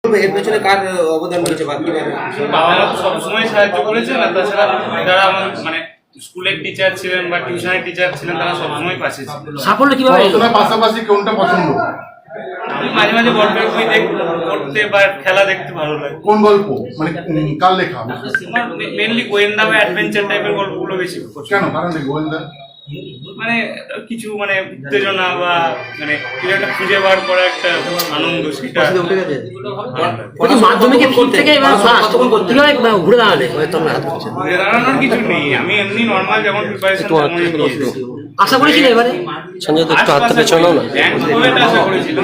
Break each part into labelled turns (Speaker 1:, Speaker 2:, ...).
Speaker 1: এর পেছনে কার অবদান রয়েছে?
Speaker 2: বাবা মা তো সবসময় সাহায্য করেছেন, আর তাছাড়া যারা আমার মানে স্কুলের টিচার ছিলেন বা টিউশনের টিচার ছিলেন তারা সবসময় পাশে ছিলেন।
Speaker 3: সাফল্য কিভাবে এলো?
Speaker 4: পাশাপাশি কোনটা পছন্দ?
Speaker 2: আমি মাঝে মাঝে গল্পের বই পড়তে বা খেলা দেখতে ভালো লাগে।
Speaker 4: কোন গল্প মানে কার লেখা?
Speaker 2: আমার মেনলি গোয়েন্দা বা অ্যাডভেঞ্চার টাইপের গল্পগুলো বেশি পছন্দ।
Speaker 4: কেন কারণ গোয়েন্দা
Speaker 2: মানে কিছু মানে উত্তেজনা বা মানে কিছু একটা খুঁজে বার করা একটা আনন্দ, সেটা
Speaker 3: মাধ্যমিকের পর থেকে ঘুরে দাঁড়ালে
Speaker 2: ঘুরে দাঁড়ানোর কিছু নেই। আমি এমনি নর্মাল যখন প্রিপারেশন
Speaker 3: আশা করেছিলে এবারে
Speaker 2: সঞ্জয় একটু হাত থেকে চলো না আশা করেছিল।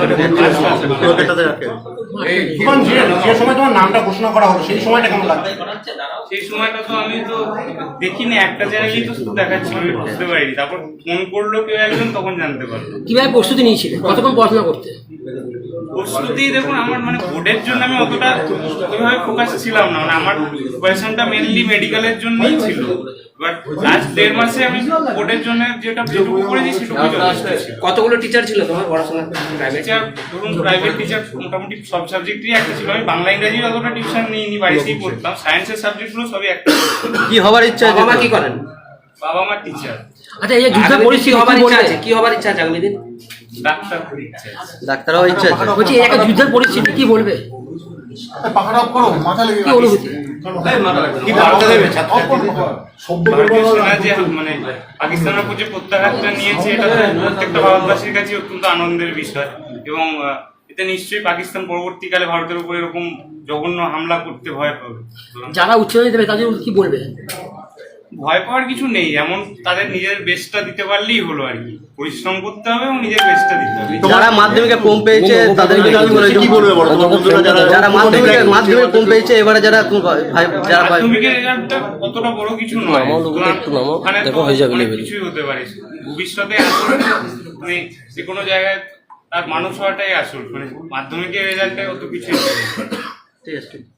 Speaker 5: যে সময় তোমার নামটা ঘোষণা করা হলো সেই সময়টা কেমন লাগছে?
Speaker 2: সেই সময়টা তো আমি তো দেখিনি, একটা চ্যানেলই তো শুধু দেখাচ্ছিল, আমি বুঝতে পারিনি। তারপর ফোন করলো কেউ একজন, তখন জানতে পারলো।
Speaker 3: কিভাবে প্রস্তুতি নিয়েছিলে, কতক্ষণ পড়াশোনা করতে?
Speaker 2: প্রস্তুতি দেখুন, আমার মানে বোর্ডের জন্য আমি অতটা ওইভাবে ফোকাস ছিলাম না, মানে আমার প্রিপারেশনটা মেনলি মেডিকেলের জন্যই ছিল। বাট লাস্ট 1.5 মাসে আমি বোর্ডের জন্য যেটুকু করেছি সেটুকুই যথেষ্ট ছিল।
Speaker 1: কতগুলো টিচার ছিল তোমার পড়াশোনা?
Speaker 2: টিচার ধরুন, প্রাইভেট টিচার মোটামুটি সব সাবজেক্টই একটা ছিল। আমি বাংলা ইংরেজি অতটা টিউশন নিইনি, বাড়িতেই পড়তাম। সায়েন্সের সাবজেক্টগুলো সবই একটা।
Speaker 1: কি হবার ইচ্ছা? বাবা মা কি করেন?
Speaker 2: বাবা মা টিচার।
Speaker 3: আচ্ছা, এই যে যুদ্ধের পরিস্থিতি
Speaker 1: হবার ইচ্ছা আছে, কি হবার ইচ্ছা আছে আগামী দিন?
Speaker 2: ডাক্তার হতে ইচ্ছা আছে।
Speaker 1: ডাক্তার হওয়ার ইচ্ছা আছে।
Speaker 3: বলছি একটা যুদ্ধের পরিস্থিতি কি বলবে?
Speaker 4: পাখাটা অফ করো, মাথা লেগে
Speaker 3: কি অনুভূতি?
Speaker 4: কি বার্তা দেবে?
Speaker 2: ভারতীয় সেনা যে মানে পাকিস্তানের উপর যে প্রত্যাঘাতটা নিয়েছে, এটা তো প্রত্যেকটা ভারতবাসীর কাছে অত্যন্ত আনন্দের বিষয়। এবং এতে নিশ্চয়ই পাকিস্তান পরবর্তীকালে ভারতের উপর এরকম জঘন্য হামলা করতে ভয় পাবে।
Speaker 3: যারা উচ্ছেদ দেবে তাদের কি বলবে?
Speaker 2: ভয় পাওয়ার কিছু নেই, এমন তাদের নিজের বেস্টটা দিতে পারলেই হলো আর কি। পরিশ্রম করতে হবে এবং নিজের বেস্টটা দিতে হবে।
Speaker 1: যারা মাধ্যমিকে কম পেয়েছে তাদেরকে কি বলবে? যারা মাধ্যমিকে কম পেয়েছে, এবারে যারা
Speaker 2: মাধ্যমিকের রেজাল্টটা অতটা বড় কিছু নয়, ওখানে তো অনেক কিছুই হতে পারে। ভবিষ্যতে আসলে মানে যে কোনো জায়গায় তার মানুষ হওয়াটাই আসল, মানে মাধ্যমিকের রেজাল্টে অত কিছু।
Speaker 1: ঠিক আছে।